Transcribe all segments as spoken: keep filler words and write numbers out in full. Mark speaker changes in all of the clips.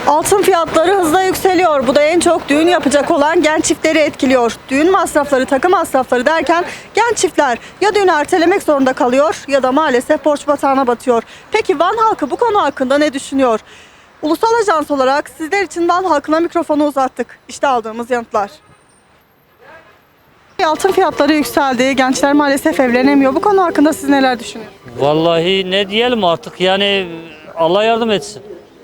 Speaker 1: Altın fiyatları hızla yükseliyor. Bu da en çok düğün yapacak olan genç çiftleri etkiliyor. Düğün masrafları, takım masrafları derken genç çiftler ya düğünü ertelemek zorunda kalıyor ya da maalesef borç batağına batıyor. Peki Van halkı bu konu hakkında ne düşünüyor? Ulusal Ajans olarak sizler için Van halkına mikrofonu uzattık. İşte aldığımız yanıtlar. Altın fiyatları yükseldi. Gençler maalesef evlenemiyor. Bu konu hakkında siz neler düşünüyorsunuz?
Speaker 2: Vallahi ne diyelim artık, yani Allah yardım etsin.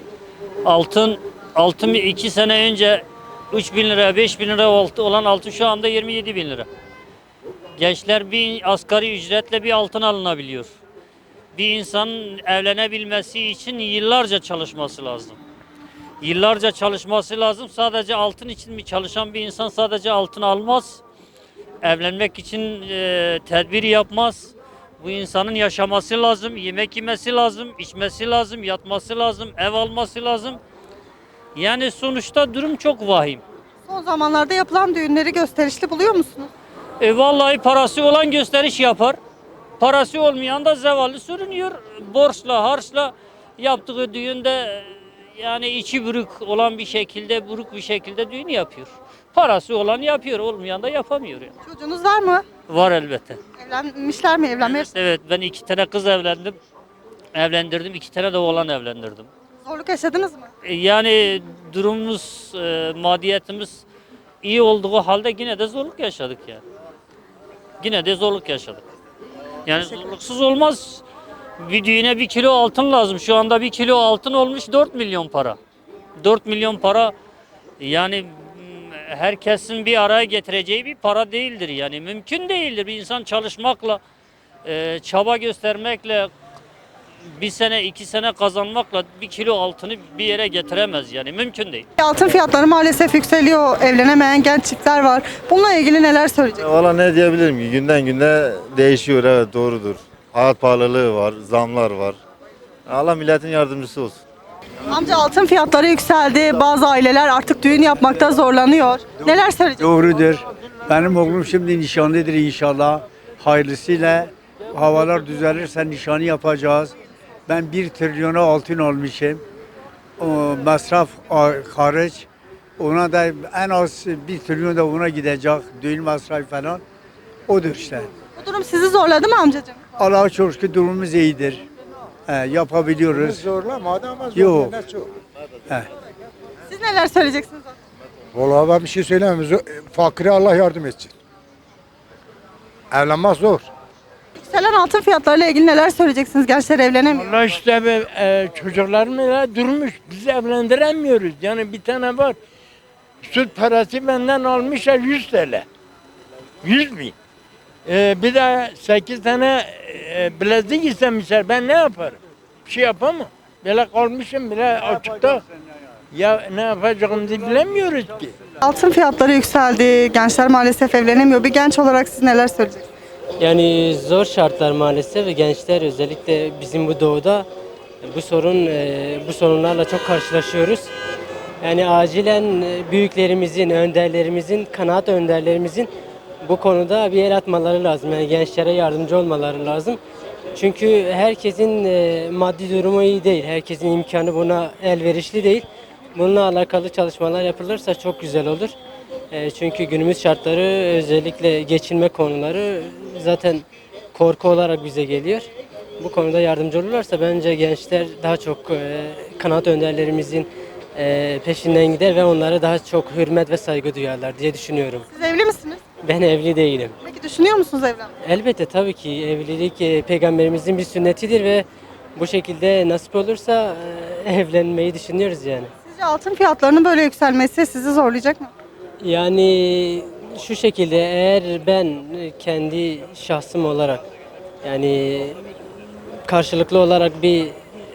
Speaker 2: Altın altın iki sene önce üç bin lira beş bin lira olan altın şu anda yirmi yedi bin lira. Gençler bir asgari ücretle bir altın alınabiliyor. Bir insanın evlenebilmesi için yıllarca çalışması lazım. Yıllarca çalışması lazım. Sadece altın için mi çalışan bir insan sadece altın almaz. Evlenmek için e, tedbir yapmaz. Bu insanın yaşaması lazım, yemek yemesi lazım, içmesi lazım, yatması lazım, ev alması lazım. Yani sonuçta durum çok vahim.
Speaker 1: Son zamanlarda yapılan düğünleri gösterişli buluyor musunuz?
Speaker 2: E vallahi parası olan gösteriş yapar. Parası olmayan da zevallı sürünüyor. Borçla, harçla yaptığı düğünde yani içi buruk olan bir şekilde, buruk bir şekilde düğün yapıyor. Parası olan yapıyor, olmayan da yapamıyor. Yani.
Speaker 1: Çocuğunuz var mı?
Speaker 2: Var elbette.
Speaker 1: Evlenmişler mi? Evlenmeye
Speaker 2: Evet, evet, ben iki tane kız evlendim. Evlendirdim, iki tane de oğlan evlendirdim.
Speaker 1: zorluk yaşadınız mı?
Speaker 2: E, Yani durumumuz, e, maddiyetimiz iyi olduğu halde yine de zorluk yaşadık yani. Yine de zorluk yaşadık. Yani zorluksuz olmaz. Bir düğüne bir kilo altın lazım. Şu anda bir kilo altın olmuş dört milyon para. dört milyon para yani mm, herkesin bir araya getireceği bir para değildir. Yani mümkün değildir. Bir insan çalışmakla, e, çaba göstermekle, bir sene iki sene kazanmakla bir kilo altını bir yere getiremez, yani mümkün değil.
Speaker 1: Altın fiyatları maalesef yükseliyor. Evlenemeyen genç çiftler var. Bununla ilgili neler söyleyeceksiniz?
Speaker 3: Valla ne diyebilirim ki, günden güne değişiyor, evet doğrudur. Hayat pahalılığı var, zamlar var. Allah milletin yardımcısı olsun.
Speaker 1: Amca altın fiyatları yükseldi. Bazı aileler artık düğün yapmakta zorlanıyor. Neler söyleyeceksiniz?
Speaker 4: Doğrudur. Benim oğlum şimdi nişanlıdır inşallah. Hayırlısıyla havalar düzelirse nişanı yapacağız. Ben bir trilyona altın almışım. O masraf hariç. Ona da en az bir trilyon da ona gidecek. Düğün masrafı falan. Odur işte.
Speaker 1: Bu durum sizi zorladı mı amcacığım?
Speaker 4: Allah'a çok şükür durumumuz iyidir. He, yapabiliyoruz.
Speaker 5: Zorlamadı ama
Speaker 4: Yok.
Speaker 5: zorlayan çok.
Speaker 4: He.
Speaker 1: Siz neler söyleyeceksiniz?
Speaker 5: Vallahi ben bir şey söyleyemem. Zo- Fakire Allah yardım etsin. Evlenmek zor.
Speaker 1: Yükselen altın fiyatlarıyla ilgili neler söyleyeceksiniz? Gençler evlenemiyor.
Speaker 6: Allah işte be, e, çocuklarımla durmuş. Biz evlendiremiyoruz. Yani bir tane var. Süt parası benden almışlar yüz T L. yüz bin. E, bir de sekiz tane e, bilezik istemişler. Ben ne yaparım? Bir şey yapamam. Böyle kalmışım bile açıkta. Ya ne yapacağımızı bilemiyoruz ki.
Speaker 1: Altın fiyatları yükseldi. Gençler maalesef evlenemiyor. Bir genç olarak siz neler söyleyeceksiniz?
Speaker 7: Yani zor şartlar maalesef ve gençler özellikle bizim bu doğuda bu sorun e, bu sorunlarla çok karşılaşıyoruz. Yani acilen e, büyüklerimizin, önderlerimizin, kanaat önderlerimizin bu konuda bir el atmaları lazım. Yani gençlere yardımcı olmaları lazım. Çünkü herkesin e, maddi durumu iyi değil. Herkesin imkanı buna elverişli değil. Bununla alakalı çalışmalar yapılırsa çok güzel olur. E, çünkü günümüz şartları özellikle geçinme konuları zaten korku olarak bize geliyor. Bu konuda yardımcı olurlarsa bence gençler daha çok e, kanaat önderlerimizin e, peşinden gider ve onlara daha çok hürmet ve saygı duyarlar diye düşünüyorum.
Speaker 1: Siz evli misiniz?
Speaker 7: Ben evli değilim.
Speaker 1: Peki düşünüyor musunuz evlenmeyi?
Speaker 7: Elbette tabii ki evlilik e, peygamberimizin bir sünnetidir ve bu şekilde nasip olursa e, evlenmeyi düşünüyoruz yani.
Speaker 1: Sizce altın fiyatlarının böyle yükselmesi sizi zorlayacak mı?
Speaker 7: Yani şu şekilde eğer ben kendi şahsım olarak yani karşılıklı olarak bir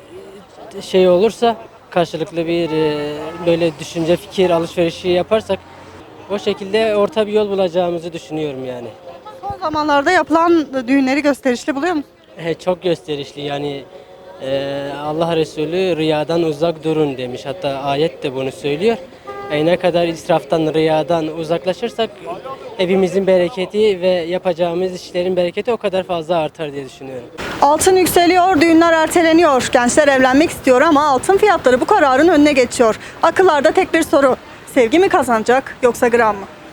Speaker 7: şey olursa karşılıklı bir e, böyle düşünce fikir alışverişi yaparsak o şekilde orta bir yol bulacağımızı düşünüyorum yani.
Speaker 1: Son zamanlarda yapılan düğünleri gösterişli buluyor musunuz?
Speaker 7: E, Çok gösterişli yani e, Allah Resulü riyadan uzak durun demiş, hatta ayet de bunu söylüyor. Yani ne kadar israftan, riyadan uzaklaşırsak evimizin bereketi ve yapacağımız işlerin bereketi o kadar fazla artar diye düşünüyorum.
Speaker 1: Altın yükseliyor, düğünler erteleniyor. Gençler evlenmek istiyor ama altın fiyatları bu kararın önüne geçiyor. Akıllarda tek bir soru. Sevgi mi kazanacak yoksa gram mı?